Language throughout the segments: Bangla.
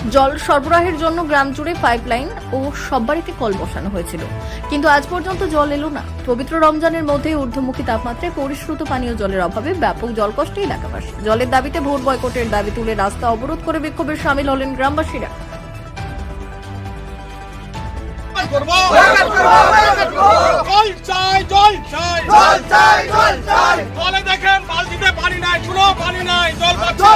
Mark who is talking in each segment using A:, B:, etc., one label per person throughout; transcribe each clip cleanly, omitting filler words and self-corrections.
A: জল সরবরাহের জন্য গ্রাম জুড়ে পাইপলাইন ও সব বাড়িতে কল বসানো হয়েছিল, কিন্তু আজ পর্যন্ত জল এলো না। পবিত্র রমজানের মধ্যে ঊর্ধ্বমুখী তাপমাত্রায় পরিশ্রুত পানীয় জলের অভাবে ব্যাপক জলকষ্টে এলাকাবাসী। জলের দাবিতে ভোট বয়কটের দাবি তুলে রাস্তা অবরোধ করে বিক্ষোভে সামিল হলেন গ্রামবাসীরা।
B: দেখেন বালতিতে পানি নাই, কোনো পানি নাই, জল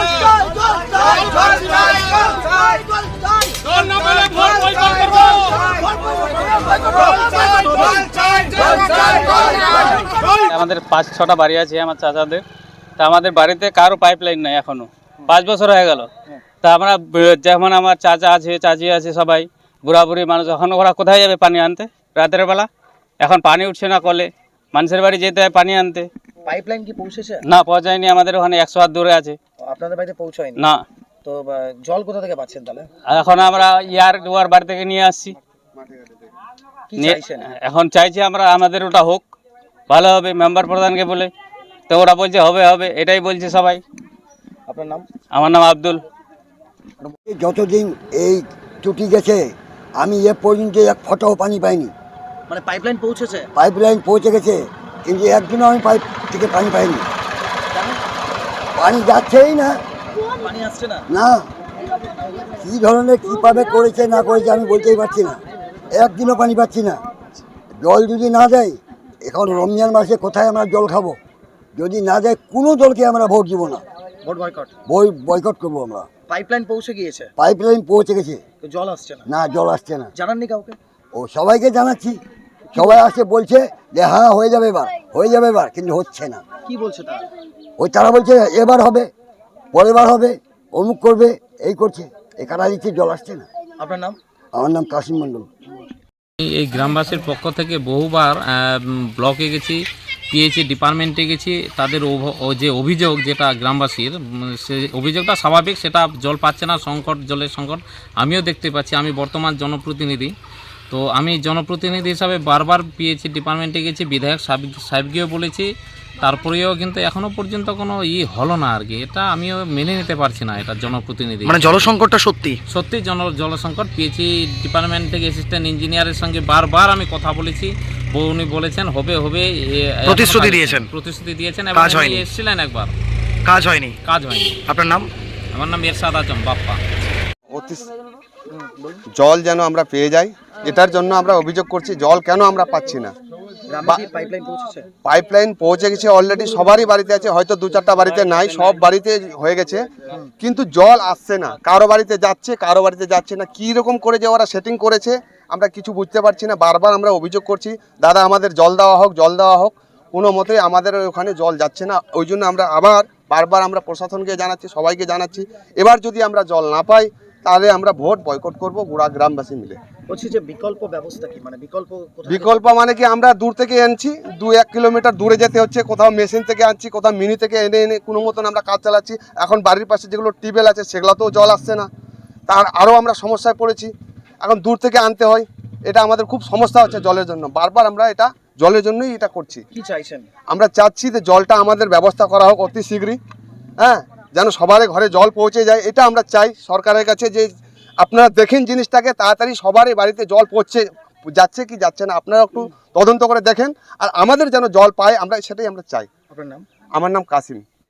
C: আমাদের 5-6টা বাড়ি আছে আমার চাচাদের। তা আমাদের বাড়িতে কারো পাইপ লাইন নাই এখনো, 5 বছর হয়ে গেল। তা আমরা যেমন আমার চাচা আছে, চাচি আছে, সবাই বুড়া বুড়ি মানুষ, এখন ওরা কোথায় যাবে পানি আনতে রাতের বেলা? এখন পানি উঠছে না কলে, মানুষের বাড়ি যেতে হয় পানি আনতে।
D: পাইপলাইন কি পৌঁছেছে?
C: না, পৌঁছায়নি। আমাদের ওখানে 100 হাত দূরে আছে।
D: আপনাদের বাড়িতে পৌঁছায়নি?
C: না।
D: তো জল কোথা থেকে পাচ্ছেন তাহলে?
C: এখন আমরা ইয়ার বাড়ি থেকে নিয়ে আসছি।
D: কি চাইছেন
C: এখন চাইছি আমরা আমাদের ওটা হোক, ভালো হবে মেম্বার প্রধানকে বলে। তো ওরা বলছে হবে হবে, এটাই বলছে সবাই।
D: আপনার নাম?
C: আমার নাম আব্দুল।
E: যতদিন এই টুটি গেছে আমি এ পর্যন্ত এক ফোঁটাও পানি পাইনি।
D: মানে পাইপলাইন পৌঁছেছে?
E: পাইপলাইন পৌঁছে গেছে, কিন্তু একদিনও আমি পাইপ থেকে পানি পাইনি। পানি যাচ্ছেই না,
D: পানি আসছে না।
E: না, কী ধরনের কীভাবে করেছে না করেছে আমি বলতেই পারছি না। একদিনও পানি পাচ্ছি না। জল যদি না দেয়, এখন রমজান মাসে কোথায় আমরা জল খাবো? যদি না দেয় কোনো দলকে আমরা ভোট দিব না,
D: ভোট বয়কট।
E: বয়কট করবো আমরা।
D: পাইপলাইন পৌঁছে গিয়েছে?
E: পাইপলাইন পৌঁছে গেছে,
D: তো জল আসছে না?
E: না, জল আসছে না।
D: জানাননি কাউকে?
E: ও সবাইকে জানাচ্ছি, সবাই আসে বলছে যে হ্যাঁ হয়ে যাবে এবার, হয়ে যাবে এবার, কিন্তু হচ্ছে না।
D: কি বলছে তারা?
E: তারা বলছে এবার হবে, পরের বার হবে, অমুক করবে, এই করছে, এ কাটা দিচ্ছে, জল আসছে না।
D: আপনার নাম?
E: আমার নাম কাশিম মণ্ডল।
F: এই গ্রামবাসীর পক্ষ থেকে বহুবার ব্লকে গেছি, পিএইচই ডিপার্টমেন্টে গেছি। তাদের যে অভিযোগ, যেটা গ্রামবাসীর, সে অভিযোগটা স্বাভাবিক, সেটা জল পাচ্ছে না, সংকট, জলের সংকট আমিও দেখতে পাচ্ছি। আমি বর্তমান জনপ্রতিনিধি, তো আমি জনপ্রতিনিধি হিসাবে বারবার পিএইচই ডিপার্টমেন্টে গেছি, বিধায়ক সাহেবকেও বলেছি, তারপরেও কিন্তু এখনো পর্যন্ত কোনো হলো না আর কি। এটা আমিও মেনে নিতে পারছি না, এটা জনপ্রতিনিধি
D: মানে জলসংকটটা সত্যি
F: সত্যি জলসংকট। পিএইচই ডিপার্টমেন্ট থেকে অ্যাসিস্ট্যান্ট ইঞ্জিনিয়ারের সঙ্গে বারবার আমি কথা বলেছি, উনি বলেছেন হবে হবে, প্রতিশ্রুতি দিয়েছেন এবং উনি এসেছিলেন একবার, কাজ হয়নি।
D: আপনার নাম?
F: আমার নাম এরশাদ আজম বাপ্পা।
G: জল যেন আমরা পেয়ে যাই, এটার জন্য আমরা অভিযোগ করছি। জল কেন আমরা পাচ্ছি না? পাইপলাইন পৌঁছে গেছে অলরেডি, সবারই বাড়িতে আছে, হয়তো 2-4টা বাড়িতে নাই, সব বাড়িতে হয়ে গেছে, কিন্তু জল আসছে না। কারো বাড়িতে যাচ্ছে, কারো বাড়িতে যাচ্ছে না। কী রকম করে যে ওরা সেটিং করেছে আমরা কিছু বুঝতে পারছি না। বারবার আমরা অভিযোগ করছি, দাদা আমাদের জল দেওয়া হোক, জল দেওয়া হোক। কোনো মতেই আমাদের ওখানে জল যাচ্ছে না। ওই জন্য আমরা বারবার আমরা প্রশাসনকে জানাচ্ছি, সবাইকে জানাচ্ছি। এবার যদি আমরা জল না পাই তাহলে আমরা ভোট বয়কট করব গোড়া গ্রামবাসী মিলে।
D: বলছি যে বিকল্প ব্যবস্থা কি? মানে
G: বিকল্প মানে কি, আমরা দূর থেকে আনছি, 2-1 কিলোমিটার দূরে যেতে হচ্ছে, কোথাও মেশিন থেকে আনছি, কোথাও মিনি থেকে এনে কোনো মতন আমরা কাজ চালাচ্ছি। এখন বাড়ির পাশে যেগুলো টিউবওয়েল আছে সেগুলোতেও জল আসছে না, তার আরও আমরা সমস্যায় পড়েছি। এখন দূর থেকে আনতে হয়, এটা আমাদের খুব সমস্যা হচ্ছে জলের জন্য। বারবার আমরা এটা জলের জন্যই এটা করছি।
D: কি চাইছেন?
G: আমরা চাচ্ছি যে জলটা আমাদের ব্যবস্থা করা হোক অতি শীঘ্রই, হ্যাঁ, যেন সবার ঘরে জল পৌঁছে যায়। এটা আমরা চাই সরকারের কাছে, যে আপনারা দেখেন জিনিসটাকে, তাড়াতাড়ি সবারই বাড়িতে জল যাচ্ছে কি যাচ্ছে না আপনারা একটু তদন্ত করে দেখেন, আর আমাদের যেন জল পায়, আমরা সেটাই আমরা চাই।
D: আপনার নাম?
G: আমার নাম কাসিম।